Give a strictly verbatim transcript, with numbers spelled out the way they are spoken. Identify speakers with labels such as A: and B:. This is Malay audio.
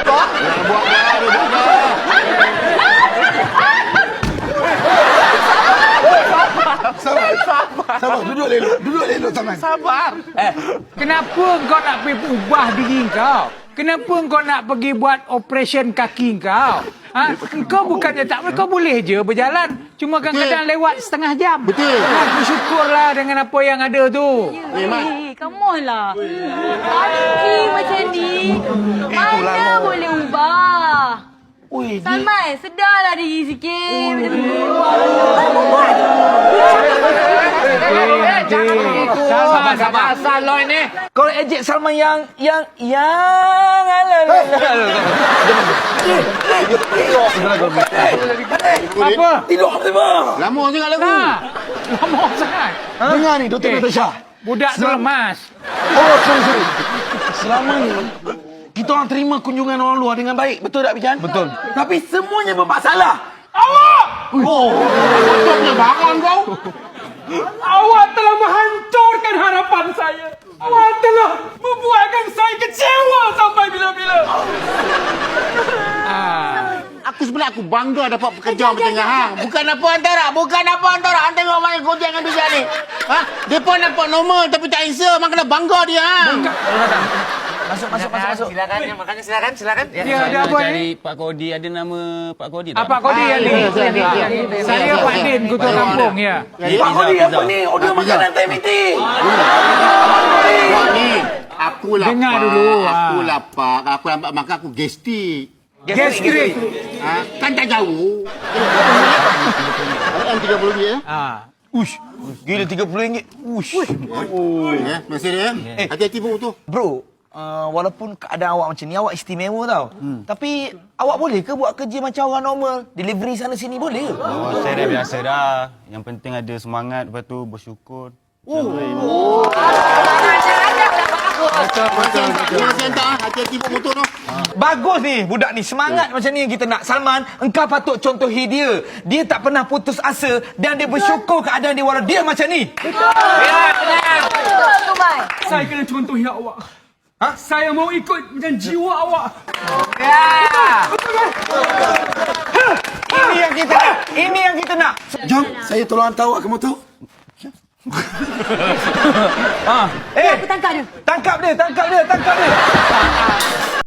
A: buat baru buat.
B: Sabar. Sabar, duduk elok. Duduk elok Salman.
C: Sabar.
D: Eh, kenapa kau nak pergi ubah diri kau? Kenapa kau nak pergi buat operation kaki kau? Ha? Kau bukannya tak boleh, kau boleh je berjalan. Cuma kadang-kadang lewat setengah jam.
A: Betul.
D: Ha, bersyukurlah dengan apa yang ada tu.
E: Eh, come on lah. Kaki macam ni. Mana boleh ubah?
B: Ui,
E: Salman, sedarlah diri sikit.
D: Sabar, sabar.
C: Asal lo ini.
D: Kau ejek Salman yang yang yang apa?
B: tidur apa?
A: Lama sangat lagu.
D: Tak. Lama sangat.
B: Dengar ni, Doktor
D: Eh.
B: Natasha.
D: Budak tu lemas.
B: Oh, sorry, sorry. Selama ni, kita orang terima kunjungan orang luar dengan baik. Betul tak, Bijan? Betul. Tapi semuanya bermasalah.
D: Awak!
A: Oh, patutnya bangun kau.
D: Awak telah menghancurkan harapan saya. Awak telah membuatkan saya kecewa sampai bila-bila. Ah.
A: Aku sebenarnya aku bangga dapat pekerja macam ni hang. Bukan apa antara, bukan apa antara. Hang tengok main kocek dengan bijak ni. Ha? Depa nampak normal tapi tak handsome. Hang kena bangga dia hang.
D: Masuk, masuk, masuk, masuk.
C: Silakan, ya, makanya silakan, silakan.
D: Ya, ada apa
F: cari
D: ni?
F: Pak Kodi, ada nama Pak Kodi tak?
D: Ah, Pak Kodi yang ni. Saya Pak Din, Kutu Kampung, ya.
B: Pak Kodi apa ni? Order makanan time meeting.
A: Buat ni. Aku lapar.
D: Dengar dulu, ha.
A: Aku lapar. Kalau aku lambat makan aku gestik.
D: Gastrik.
A: Ha? Kan tak jauh. M tiga puluh dia.
D: Ah.
F: Ush, gila tiga puluh ringgit. Ush.
A: Oh, ya. Masih dia. Eh, hati-hati pun tu.
G: Bro, uh, walaupun keadaan awak macam ni, awak istimewa tau. Hmm. Tapi, awak boleh ke buat kerja macam orang normal? Delivery sana sini boleh ke?
F: Oh, saya dah biasa dah. Yang penting ada semangat, lepas tu bersyukur.
A: Betul, betul. Masih hantar. Hati-hati pun motor tu.
G: Bagus ni, budak ni. Semangat macam ni yang kita nak. Salman, engkau patut contohi dia. Dia tak pernah putus asa dan dia bersyukur keadaan dia walau dia macam ni.
D: Saya kena contohi awak. Ha? Saya mau ikut macam jiwa awak.
G: Ini yang kita nak. Ini yang kita nak.
B: Jom, saya tolong hantar awak ke motor.
G: Ha. Eh,
E: Aku tangkap dia.
G: tangkap dia, tangkap dia, tangkap dia.